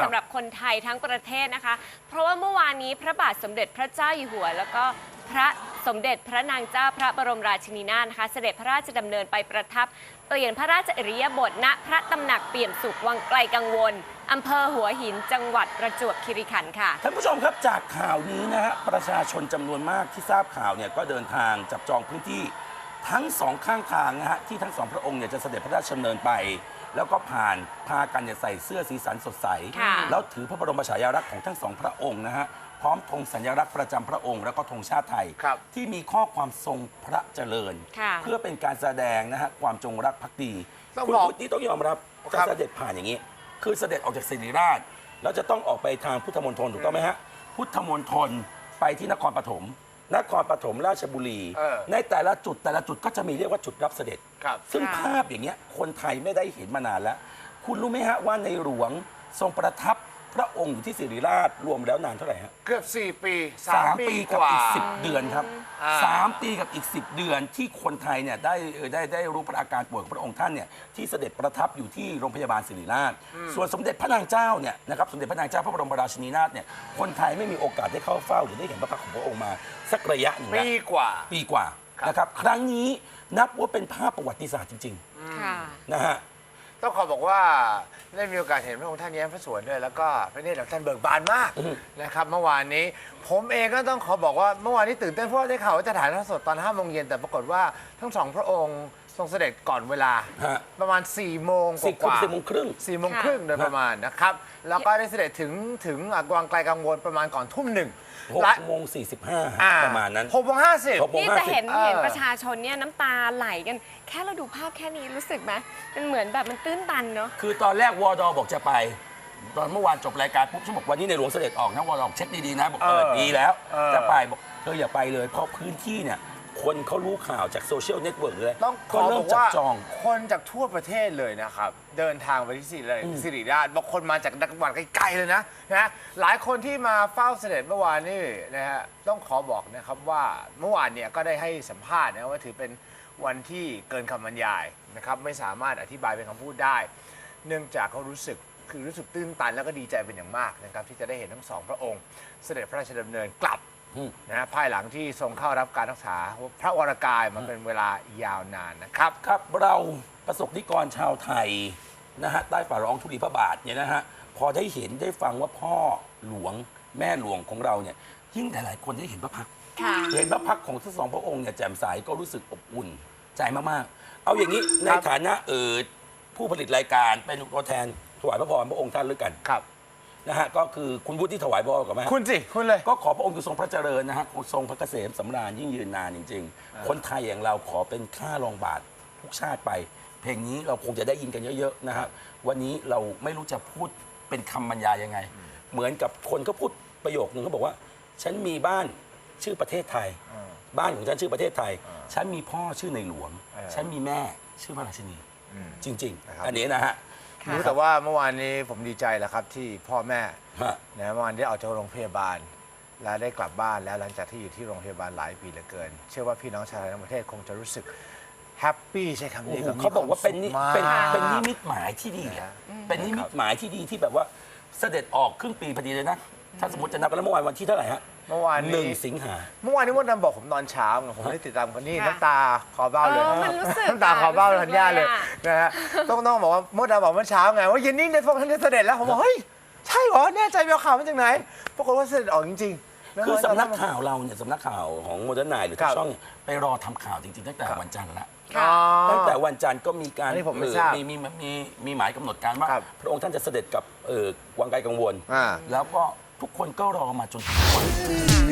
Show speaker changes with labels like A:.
A: ำหรับคนไทยทั้งประเทศนะคะเพราะว่าเมื่อวานนี้พระบาทสมเด็จพระเจ้าอยู่หัวแล้วก็พระสมเด็จพระนางเจ้าพระบรมราชินีนาถนะคะเสด็จพระราชดำเนินไปประทับเปลี่ยนพระราชอิริยาบถณพระตำหนักเปี่ยมสุขวังไกลกังวลอำเภอหัวหินจังหวัดประจวบคีรีขันธ์ค่ะ
B: ท่านผู้ชมครับจากข่าวนี้นะฮะประชาชนจำนวนมากที่ทราบข่าวเนี่ยก็เดินทางจับจองพื้นที่ทั้งสองข้างทางนะฮะที่ทั้งสองพระองค์เนี่ยจะเสด็จพระราชดำเนินไปแล้วก็พากันเนี่ยใส่เสื้อสีสันสดใสแล้วถือพระบรมฉายาลักษณ์ของทั้งสองพระองค์นะฮะพร้อมธงสัญลักษณ์ประจำพระองค์แล้วก็ธงชาติไทยที่มีข้อความทรงพระเจริญเพื่อเป็นการแสดงนะฮะความจงรักภักดีคุณพุทธิต้องยอมรับการเสด็จผ่านอย่างนี้คือเสด็จออกจากศิริราชแล้วจะต้องออกไปทางพุทธมณฑลถูกต้องไหมฮะพุทธมณฑลไปที่นครปฐมราชบุรีในแต่ละจุดก็จะมีเรียกว่าจุดรับเสด็จซึ่งภาพอย่างเงี้ยคนไทยไม่ได้เห็นมานานแล้ว คุณรู้ไหมฮะว่าในหลวงทรงประทับพระองค์อยู่ที่ศิริราชรวมแล้วนานเท่าไหร่ฮะ
C: เกือบ4 ปี
B: 3 ปีกับอีก10 เดือนครับ3 ปีกับอีก10 เดือนที่คนไทยเนี่ยได้รู้พระอาการป่วยของพระองค์ท่านเนี่ยที่เสด็จประทับอยู่ที่โรงพยาบาลศิริราชส่วนสมเด็จพระนางเจ้าเนี่ยนะครับสมเด็จพระนางเจ้าพระบรมราชินีนาถเนี่ยคนไทยไม่มีโอกาสได้เข้าเฝ้าหรือได้เห็นพระพักตร์ของพระองค์มาสักระยะหนึ่ง
C: ปีกว่า
B: นะครับครั้งนี้นับว่าเป็นภาพประวัติศาสตร์จริงๆนะฮะ
C: ต้องขอบอกว่าได้มีโอกาสเห็นพระองค์ท่านแย้มพระสวนด้วยแล้วก็พระเนตรของท่านเบิกบานมากนะครับเมื่อวานนี้ผมเองก็ต้องขอบอกว่าเมื่อวานนี้ตื่นเต้นเพราะได้ข่าวว่าจะถ่ายทอดสดตอน5 โมงเย็นแต่ปรากฏว่าทั้งสองพระองค์ทรงเสด็จก่อนเวลาประมาณ4 โมงกว่า
B: 4 โมงครึ่ง
C: โดยประมาณนะครับแล้วก็ได้เสด็จถึงวังไกลกังวลประมาณก่อนทุ่ม 1
B: 6:45ประมาณนั้น
C: 6:50
A: นี่จะเห็นประชาชนเนี่ยน้ำตาไหลกันแค่เราดูภาพแค่นี้รู้สึกไหมมันเหมือนแบบมันตื้นตันเนาะ
B: คือตอนแรกวดบอกจะไปตอนเมื่อวานจบรายการปุ๊บฉันบอกวันนี้ในหลวงเสด็จออกนะวดเช็คดีๆนะบอกดีแล้วจะไปบอกเธออย่าไปเลยเพราะพื้นที่เนี่ยคนเขารู้ข่าวจากโซเชียลเน็ตเวิร์กเลย
C: ต้องขอบอกว่าคนจากทั่วประเทศเลยนะครับเดินทางไปที่ศิริราชบางคนมาจากจังหวัดไกลๆเลยนะหลายคนที่มาเฝ้าเสด็จเมื่อวานนี่นะฮะต้องขอบอกนะครับว่าเมื่อวานเนี่ยก็ได้ให้สัมภาษณ์นะว่าถือเป็นวันที่เกินคำบรรยายนะครับไม่สามารถอธิบายเป็นคำพูดได้เนื่องจากเขารู้สึกตื้นตันแล้วก็ดีใจเป็นอย่างมากนะครับที่จะได้เห็นทั้งสองพระองค์เสด็จพระราชดำเนินกลับนะภายหลังที่ทรงเข้ารับการรักษาพระวรกายมาเป็นเวลายาวนานนะครับ
B: ครับเราประสบนิกรชาวไทยนะฮะใต้ฝ่าร้องธุลีพระบาทเนี่ยนะฮะพอได้เห็นได้ฟังว่าพ่อหลวงแม่หลวงของเราเนี่ยยิ่งหลายๆคนได้เห็นพระพักตร์เห็นพระพักตร์ของทั้งสองพระองค์เนี่ยแจ่มใสก็รู้สึกอบอุ่นใจมากๆเอาอย่างนี้ในฐานะผู้ผลิตรายการเป็นตัวแทนถวายพระพรพระองค์ท่านด้วยกัน
C: ครับ
B: นะฮะก็คือคุณวุฒิถวายพรกับแม่
C: คุณเลย
B: ก็ขอพระองค์ทรงพระเจริญนะฮะทรงพระเกษมสำราญยิ่งยืนนานจริงๆคนไทยอย่างเราขอเป็นข้ารองบาททุกชาติไปเพลงนี้เราคงจะได้ยินกันเยอะๆนะครับวันนี้เราไม่รู้จะพูดเป็นคำบรรยายยังไงเหมือนกับคนก็พูดประโยคนึงเขาบอกว่าฉันมีบ้านชื่อประเทศไทยบ้านของฉันชื่อประเทศไทยฉันมีพ่อชื่อในหลวงฉันมีแม่ชื่อพระราชินีจริงๆอันนี้นะฮะ
C: รู้แต่ว่าเมื่อวานนี้ผมดีใจแหละครับที่พ่อแม่เมื่อวานได้ออกจากโรงพยาบาลและได้กลับบ้านแล้วหลังจากที่อยู่ที่โรงพยาบาลหลายปีเหลือเกินเชื่อว่าพี่น้องชาวไทยทั้งประเทศคงจะรู้สึกแฮปปี้ใช่คำนี้
B: เขาบอกว่าเป็นนิมิตหมายที่ดีเป็นนิมิตหมายที่ดีที่แบบว่าเสด็จออกครึ่งปีพอดีเลยนะถ้าสมมติจะนับกันแล้วเมื่อวานวันที่เท่าไหร่ฮะ
C: เมื่อวาน
B: 1 สิงหา
C: เมื่อวานนี้มดดำบอกผมตอนเช้าผมได้ติดตามคนนี้น้ำตาคอเบ้าเลย
A: น้
C: ำตาคอเบ้าทันย่าเลยนะฮะต้องบอกว่ามดดำบอกเมื่อเช้าไงว่าเย็นนี้ในพวกท่านจะเสด็จแล้วผมบอกเฮ้ยใช่เหรอแน่ใจไปเอาข่าวมาจากไหนปรากฏว่าเสด็จออกจริง
B: ๆคือสำนักข่าวเราเนี่ยสำนักข่าวของโมเดิร์นไนท์หรือทุกช่องไปรอทำข่าวจริงๆตั้งแต่วันจันทร์ละตั้งแต่วันจันทร์ก็มีการมีหมายกำหนดการว่าพระองค์ท่านจะเสด็จกับวังไกลกังวลแล้วก็ทุกคนก็รอมาจนถึงวัน